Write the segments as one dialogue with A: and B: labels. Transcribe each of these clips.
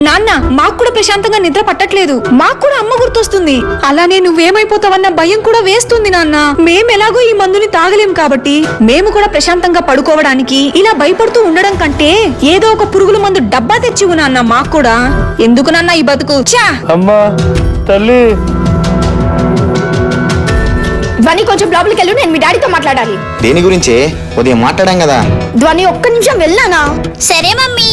A: నాన్న మాకు కూడా ప్రశాంతంగా నిద్ర పట్టట్లేదు. మాకు కూడా అమ్మ గుర్తొస్తుంది. అలానే నువ్వేమైపోతావన్న భయం కూడా వేస్తుంది నాన్న. మేమెలాగో ఈ మందుని తాగలేం కాబట్టి మేము కూడా ప్రశాంతంగా పడుకోవడానికి ఇలా భయపడుతూ ఉండడం కంటే ఏదో ఒక పురుగుల మందు డబ్బా తెచ్చివు నాన్న. మాకు కూడా ఎందుకు నాన్న ఈ బతుకు. చా
B: అమ్మా తల్లి,
C: ధ్వని కొంచెం లోపలికి వెళ్ళు, నేను మీ డాడీతో మాట్లాడాలి.
D: దేని గురించి? ఉదయం మాట్లాడాం కదా.
C: ధ్వని ఒక్క నిమిషం వెళ్ళానా?
E: సరే మమ్మీ.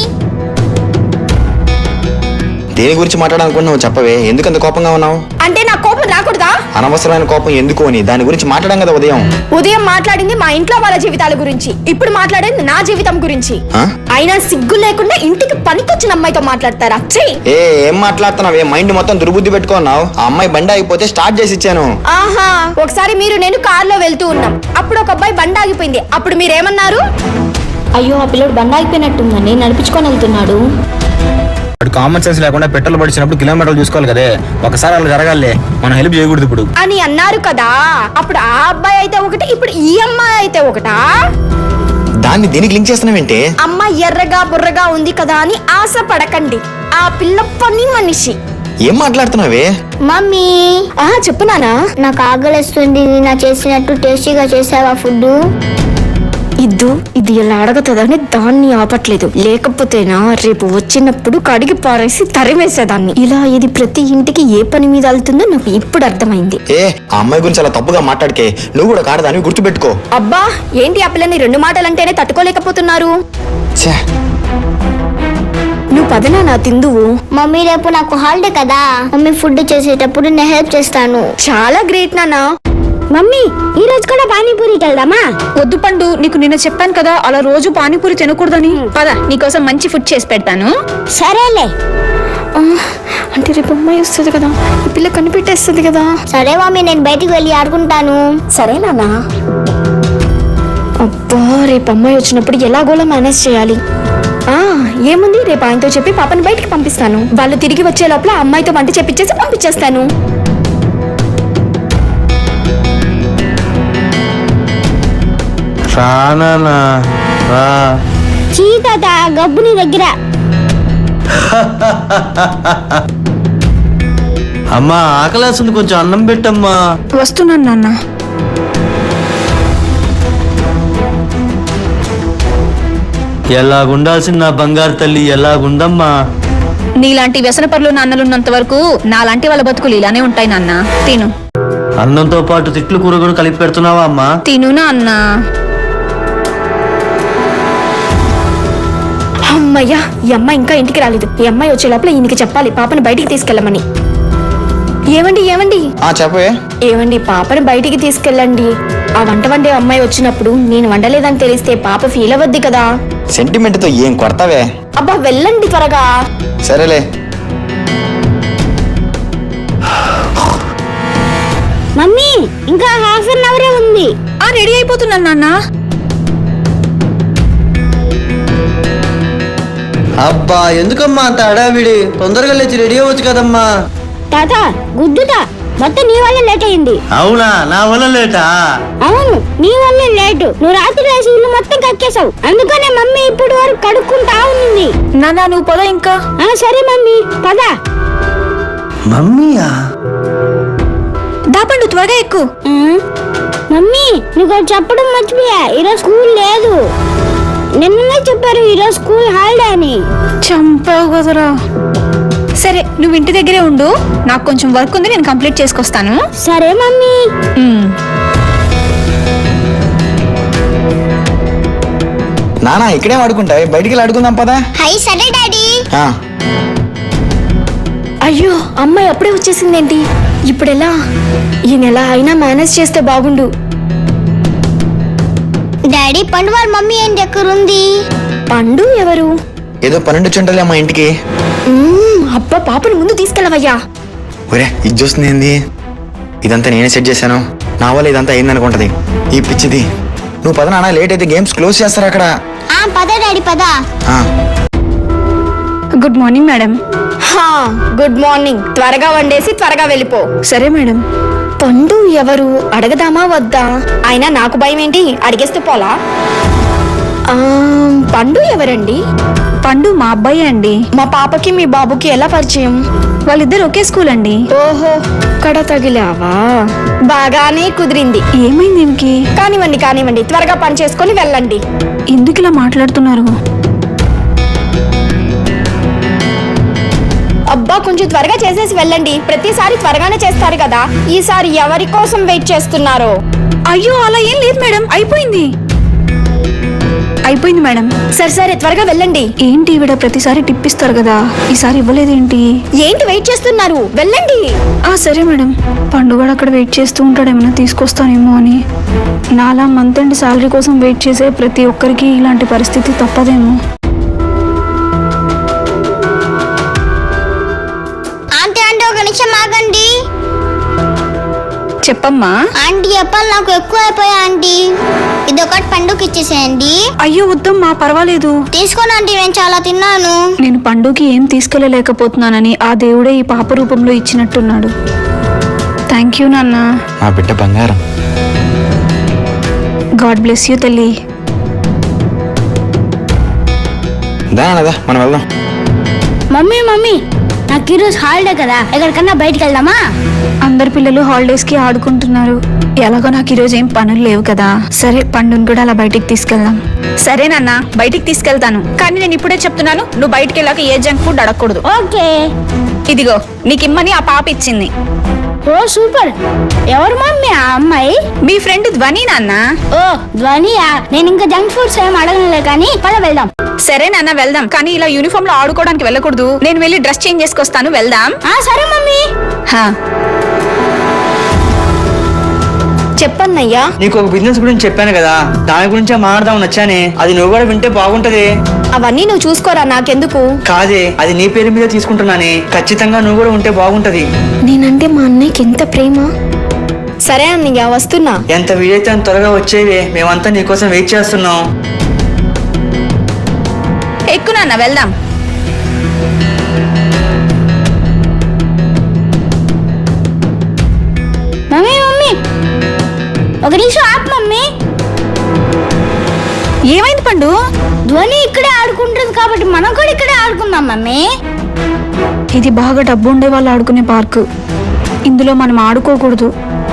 D: దేని గురించి మాట్లాడాలనుకున్నావు చెప్పవే. ఎందుకంత కోపంగా ఉన్నావు?
C: అంటే నా కోపం రాకూడదా?
D: అనవసరమైన కోపం ఎందుకు అని దాని గురించి మాట్లాడాం కదా ఉదయం.
C: ఉదయం మాట్లాడింది మా ఇంట్లో వాళ్ళ జీవితాల గురించి, ఇప్పుడు మాట్లాడేది నా జీవితం గురించి.
D: ఆ?
C: అయినా సిగ్గు లేకుండా ఇంటికి పనికొచ్చిన అమ్మాయితో మాట్లాడతారా?
D: ఏం మాట్లాడుతున్నావే? మైండ్ మొత్తం దుర్బుద్ధి పెట్టుకున్నావు. ఆ అమ్మాయి బండి ఆగిపోతే స్టార్ట్ చేసి ఇచ్చాను.
C: ఆహా, ఒకసారి మీరు నేను కార్లో వెళ్తూ ఉన్నాం, అప్పుడు ఒక అబ్బాయి బండి ఆగిపోయింది. అప్పుడు మీరేమన్నారు?
E: అయ్యో ఆ పిల్లడు బండి ఆగిపోయినట్టుందని నడిపించుకొని వెళ్తున్నాడు.
D: వాడు కామన్ సెన్స్ లేకుండా పెట్రోల్ పడిచినప్పుడు కిలోమీటర్లు చూసుకోవాలి కదే. ఒకసారి అలా జరగాలే, మనం హెల్ప్ చేయకూడదు ఇప్పుడు
C: అని అన్నారు కదా. అప్పుడు ఆ అబ్బాయి అయితే ఒకటి, ఇప్పుడు ఈ అమ్మాయి అయితే ఒకటా?
D: దాన్ని దీనికి లింక్ చేస్తున్నావేంటి?
C: అమ్మాయి ఎర్రగా బుర్రగా ఉంది కదా అని ఆశ పడకండి. ఆ పిల్ల పని మనిషి.
D: ఏం మాట్లాడుతున్నావే?
E: మమ్మీ
C: చెప్పు నానా.
E: నాకు ఆకలిస్తుంది, నా చేసినట్టు టేస్టీగా చేసావా ఫుడ్?
C: ఇది ఇలా అడగతుందని దాన్ని ఆపట్లేదు. లేకపోతేనా రేపు వచ్చినప్పుడు కడిగి పారేసి తరిమేసేదాన్ని. ఇలా ఇది ప్రతి ఇంటికి ఏ పని మీద వెళ్తుందో నాకు ఇప్పుడు అర్థమైంది.
D: ఆ అమ్మాయి గురించి అలా తప్పుగా మాట్లాడికే. నువ్వు కూడా కాడదాన్ని గుర్తుపెట్టుకో.
C: అబ్బా ఏంటి ఆ పిల్లని 2 మాటలంటేనే తట్టుకోలేకపోతున్నారు. నువ్వు పదనా నా తిందువు.
E: మమ్మీ రేపు నాకు హాలిడే కదా, మమ్మీ ఫుడ్ చేసేటప్పుడు నేను హెల్ప్ చేస్తాను.
C: చాలా గ్రేట్ నానా.
E: మమ్మీ ఈ రోజు కూడా పానీపూరికి వెళ్దామా?
A: వద్దు పండు, నీకు నిన్న చెప్పాను కదా అలా రోజు పానీపూరి తినకూడదని. పద, నీకోసం మంచి ఫుడ్ చేసి పెడతాను.
E: సరేలే.
C: అంటే రేపు అమ్మాయి వస్తుంది కదా, ఈ పిల్ల కనిపెట్టేస్తుంది కదా.
E: సరే మమ్మీ, నేను బయటికి వెళ్ళి ఆడుకుంటాను.
C: సరే నానా. అబ్బా రేపు అమ్మాయి వచ్చినప్పుడు ఎలాగోలా మేనేజ్ చేయాలి. ఏముంది, రేపు ఆయనతో చెప్పి పాపని బయటికి పంపిస్తాను. వాళ్ళు తిరిగి వచ్చే లోపల అమ్మాయితో వంట చెప్పించేసి పంపించేస్తాను.
E: చీత గబ్బుని దగ్గర.
B: అమ్మా ఆకలేస్తుంది, కొంచెం అన్నం పెట్టమ్మా.
A: వస్తున్నాను నాన్న.
B: ఎలాగుండాల్సిన నా బంగారు తల్లి ఎలాగుందమ్మా.
A: నీలాంటి వ్యసన పరులు నాన్నలున్నంత వరకు నాలాంటి వాళ్ళ బతుకులు ఇలానే ఉంటాయి నాన్న. తిను.
B: అన్నంతో పాటు తిట్లు కూర కూడా కలిపి పెడుతున్నావా అమ్మా?
A: తిను నాన్న.
C: అమ్మయ్యా, ఈ అమ్మాయి ఇంకా ఇంటికి రాలేదు. ఈ అమ్మాయి వచ్చే లోపల ఈయనకి చెప్పాలి పాపని బయటికి తీసుకెళ్ళమని. ఏమండి
D: చెప్పవే.
C: ఏమండి, పాపని బయటికి తీసుకెళ్ళండి. ఆ వంట వండే అమ్మాయి వచ్చినప్పుడు నేను వండలేదని తెలిస్తే పాప ఫీల్ అవ్వద్ది కదా.
D: సెంటిమెంట్ తో ఏం కొడతావే?
C: అబ్బా వెళ్ళండి త్వరగా.
D: సరేలే.
E: మమ్మీ ఇంకా హాఫ్ అన్ అవరే ఉంది.
A: రెడీ అయిపోతున్నాను నాన్న.
B: అబ్బా ఎందుకమ్మా అంత హడావిడి? తొందరగా లేచి రెడీ అవ్వచ్చు కదమ్మా.
E: తాత గుద్దుతా, మొత్తం నీ వల్ల లేట్ అయింది.
B: అవునా, నా వల్ల లేటా?
E: అవును, నీ వల్ల లేటు. నువ్వు రాత్రి రాసి ఇల్లు మొత్తం కక్కేశావు, అందుకనే మమ్మీ ఇప్పుడు వరకు కడుక్కుంటా ఉంది.
A: నాన్న నువ్వు పద ఇంకా.
E: సరే మమ్మీ పద.
B: మమ్మీయా?
A: దాపండు త్వరగా ఎక్కు.
E: మమ్మీ నీకు చెప్పడం మర్చిపోయా, ఈరోజు స్కూల్ లేదు. నిన్ననే చెప్పారు ఈరోజు స్కూల్ హాలిడే అని.
A: చంపావు కదరా. సరే నువ్వు ఇంటి దగ్గరే ఉండు, నాకు కొంచెం వర్క్ ఉంది, నేను కంప్లీట్ చేసుకొస్తాను.
E: సరే మమ్మీ.
D: నానా ఇక్కడే ఆడుకుంటావే, బయటికి వెళ్ళి ఆడుకుందాం పదా.
E: సరే డాడీ.
C: అయ్యో అమ్మాయి అప్పుడే వచ్చేసిందేంటి? ఇప్పుడెలా? ఈ నెల అయినా మేనేజ్ చేస్తే బాగుండు.
E: డాడీ పండు వాళ్ళ మమ్మీ ఏంటి ఎక్కడుంది?
C: పండు ఎవరు?
D: ఏదో 12 చుంటలే మా ఇంటికి.
C: అబ్బా పాపని ముందు తీసుకెళ్ళవయ్యా.
D: ఒరే ఇది చూస్తుంది ఏంది? ఇదంతా నేనే సెట్ చేశాను, నా వల్ల ఇదంతా అయిందనుకుంటది ఈ పిచ్చిది. నువ్వు పద నాన్న, లేట్ అయితే గేమ్స్ క్లోజ్ చేస్తారు అక్కడ.
E: పద డాడీ పద.
A: Good morning madam.
C: Good morning. త్వరగా వండేసి త్వరగా వెళ్ళిపో.
A: సరే మేడం.
C: పండు ఎవరు అడగదామా వద్దా? అయినా నాకు భయం ఏంటి, అడిగేస్తే పోలా. పండు ఎవరండి?
A: పండు మా అబ్బాయి అండి.
C: మా పాపకి మీ బాబుకి ఎలా పరిచయం?
A: వాళ్ళిద్దరు ఒకే స్కూల్ అండి.
C: ఓహో, కడ తగిలావా? బాగానే కుదిరింది.
A: ఏమైంది దీనికి?
C: కానివ్వండి కానివ్వండి, త్వరగా పని చేసుకొని వెళ్ళండి.
A: ఎందుకు ఇలా మాట్లాడుతున్నారు?
C: అబ్బా, కొంచెం త్వరగా చేసేసి వెళ్ళండి. ప్రతిసారి త్వరగానే చేస్తారు కదా, ఈసారి ఎవరి కోసం వెయిట్ చేస్తున్నారో?
A: అయ్యో అలా ఏం లేదు మేడం, అయిపోయింది మేడం.
C: సరే సరే, త్వరగా వెళ్ళండి.
A: ఏంటి ఈవిడ ప్రతిసారి టిప్ ఇస్తారు కదా, ఈసారి ఇవ్వలేదేంటి?
C: ఏంటి వెయిట్ చేస్తున్నారు? వెళ్ళండి.
A: సరే మేడం. పండుగ అక్కడ వెయిట్ చేస్తూ ఉంటాడు, ఏమైనా తీసుకొస్తానేమో అని. నాలా మంత్ ఎండ్ శాలరీ కోసం వెయిట్ చేసే ప్రతి ఒక్కరికి ఇలాంటి పరిస్థితి తప్పదేమో.
E: ఆంటీ ఆంటీ ఒక నిమిషం ఆగండి.
A: చెప్పమ్మా.
E: ఆంటీ అప్పాలు నాకు ఎక్కువ అయిపోయా ఆంటీ. ఇది ఒకటి పండుగకి ఇచ్చేసేయండి.
A: అయ్యో వద్దమ్మా, పర్వాలేదు.
E: తీసుకోండి ఆంటీ, నేను చాలా తిన్నాను.
A: నేను పండుగకి ఏం తీసుకెళ్ళలేకపోతున్నానని ఆ దేవుడే ఈ పాప రూపంలో ఇచ్చినట్టున్నాడు. థ్యాంక్ యూ నాన్న.
D: మా బిడ్డ బంగారం.
A: గాడ్ బ్లెస్ యూ తల్లి.
D: దానదా మనం వెళ్దాం.
E: మమ్మీ మమ్మీ, నాకు ఈరోజు హాలిడే కదా, ఎక్కడికన్నా బయటికి వెళ్దామా?
A: అందరు పిల్లలు హాలిడేస్ కి ఆడుకుంటున్నారు. ఎలాగో నాకు ఈరోజు ఏం పనులు లేవు కదా. సరే, పండుని కూడా అలా బయటికి తీసుకెళ్దాం. సరే నాన్న, బయటికి తీసుకెళ్తాను. కానీ నేను ఇప్పుడే చెప్తున్నాను, నువ్వు బయటికి వెళ్ళాక ఏ జంక్ ఫుడ్ అడగకూడదు.
E: ఓకే.
A: ఇదిగో నీకిమ్మని ఆ పాప ఇచ్చింది.
E: ఓ సూపర్. ఎవరు మమ్మీ ఆ అమ్మాయి?
A: మీ ఫ్రెండ్ ధ్వని నాన్న.
E: ఓ ధ్వనియా? నేను ఇంకా జంక్ ఫుడ్స్ ఏం అడగలే, కానీ పద వెళ్దాం.
A: సరే నాన్న వెళ్దాం, కానీ ఇలా యూనిఫామ్ లో ఆడుకోవడానికి వెళ్ళకూడదు. నేను వెళ్ళి డ్రెస్ చేంజ్ చేసుకొస్తాను, వెళ్దాం.
E: సరే మమ్మీ.
C: చెప్పన్నయ్యా.
B: నీకు ఒక బిజినెస్ గురించి చెప్పాను కదా, దాని గురించే మాట్లాడదాం వచ్చానే. అది నువ్వు కూడా వింటే బాగుంటది.
C: అవన్నీ నువ్వు చూసుకోరా, నాకెందుకు?
B: కాదే, అది నీ పేరు మీద తీసుకుంటున్నానే. ఖచ్చితంగా నువ్వు కూడా ఉంటే బాగుంటది.
C: నేనంటే మా అన్నయ్యకి ఎంత ప్రేమ. సరే అన్నయ్య, వస్తున్నా.
B: ఎంత వీలైతే అంత త్వరగా వచ్చేవే, మేమంతా నీకోసం వెయిట్ చేస్తున్నాం.
A: ఎక్కు నాన్న, వెళ్దాం.
E: మమ్మీ మమ్మీ, ఒక నిమిషం ఆపు మమ్మీ.
A: ఏమైంది పండు?
E: ధ్వని ఇక్కడే ఆడుకుంటుంది కాబట్టి మనం కూడా ఇక్కడే ఆడుకుందాం మమ్మీ.
A: ఇది బాగా డబ్బు ఉండే వాళ్ళు ఆడుకునే పార్కు. ఇందులో మనం ఆడుకోకూడదు.